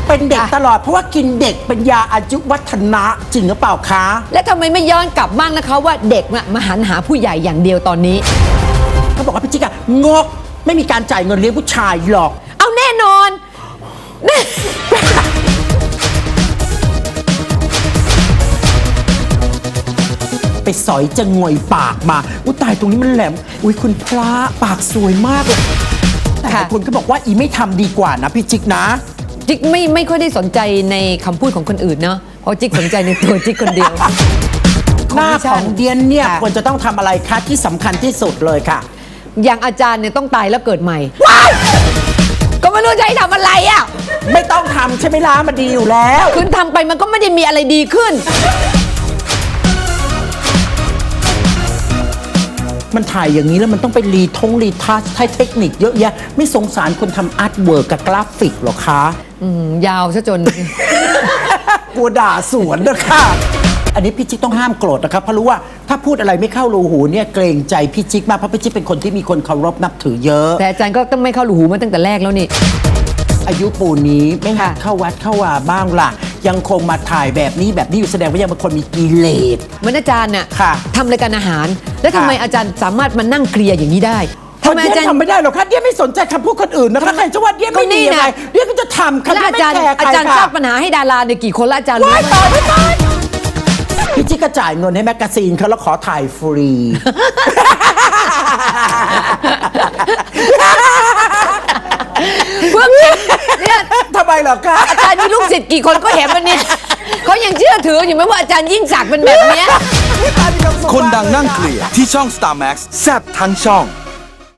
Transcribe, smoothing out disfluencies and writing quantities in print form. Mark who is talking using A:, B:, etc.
A: เป็นเด็กตลอดเพราะว่ากินเด็กเป็นยาอายุวัฒนะจริงหรือเปล่าคะ
B: และทำไมไม่ย้อนกลับบ้างนะคะว่าเด็กน่ะมาหันหาผู้ใหญ่อย่างเดียวตอนนี้
A: เขาบอกว่าพี่จิ๊กอะงกไม่มีการจ่ายเงินเลี้ยงผู้ชายหรอก
B: เอาแน่นอน
A: ไปสอยจะงวยปากมาอุ้ยตายตรงนี้มันแหลมอุ้ยคุณพระปากสวยมากเลยแต่หลายคนก็บอกว่าอีไม่ทำดีกว่านะพี่จิ๊กนะ
B: จิ๊กไม่ค่อยได้สนใจในคำพูดของคนอื่นเนาะเพราะจิ๊กสนใจในตัวจิ๊กคนเดียว
A: หน้าของเดียนเนี่ยควรจะต้องทำอะไรคะที่สำคัญที่สุดเลยค่ะ
B: อย่างอาจารย์เนี่ยต้องตายแล้วเกิดใหม่ก็ไม่รู้จะให้ทำอะไรอ่ะ
A: ไม่ต้องทำใช่ไหมล่ะมันดีอยู่แล้ว
B: คุณทำไปมันก็ไม่ได้มีอะไรดีขึ้น
A: มันถ่ายอย่างนี้แล้วมันต้องไปรีทัชใช้เทคนิคเยอะแยะไม่สงสารคนทำอาร์ตเวิร์กกับกราฟิกหรอคะ
B: ยาวซะจน
A: กลัวด่าสวนนะคะอันนี้พี่จิ๊กต้องห้ามโกรธนะครับเพราะรู้ว่าถ้าพูดอะไรไม่เข้ารูหูเนี่ยเกรงใจพี่จิ๊กมากเพราะพี่จิ๊กเป็นคนที่มีคนเคารพนับถือเยอะ
B: แต่อาจารย์ก็ต้องไม่เข้าหูมาตั้งแต่แรกแล้วนี่
A: อายุปูนี้ไม่หัด
B: ค่ะ
A: เข้าวัดเข้าวาบ้างล่ะ ยังคงมาถ่ายแบบนี้อยู่แสดงว่ายังเป็นคนมีกิเลส
B: เหมือนอาจารย์น่ะ
A: ค่ะ
B: ทำรายการอาหาร แล้วทำไมอาจารย์สามารถมานั่งเคลียร์อย่างนี้ได้ทำไมอาจารย์
A: ทำไม่ได้หรอกค่ะเดียไม่สนใจคำพูดคนอื่นนะคะใครจะว่าเดียไม่ดียังไงเดียก็จะทำค่ะ
B: แล้ว
A: เดีย
B: อา
A: ไม่
B: จารย์
A: แคร์ใคร
B: อาจารย์ส
A: ค่ะ
B: ร้างปัญหาให้ดาราเนี่ยกี่คนละอาจารย์รู้
A: ว้าย
B: ไหม
A: ตายไม่ตายพี่จิ๊กก็จ่ายเงินให้แมกกาซีนเขาแล้วขอถ่ายฟรี
B: พวกเนี่ย
A: ทำไมเหรอคะ
B: อาจารย์มีลูกศิษย์กี่คนก็เห็นมันเนี่ยเขายังเชื่อถืออยู่ไหมว่าอาจารย์ยิ่งศักดิ์เป็นแบบเนี้ย
C: คนดังนั่งเคลียร์ที่ช่อง Star Max แซ่บทั้งช่อง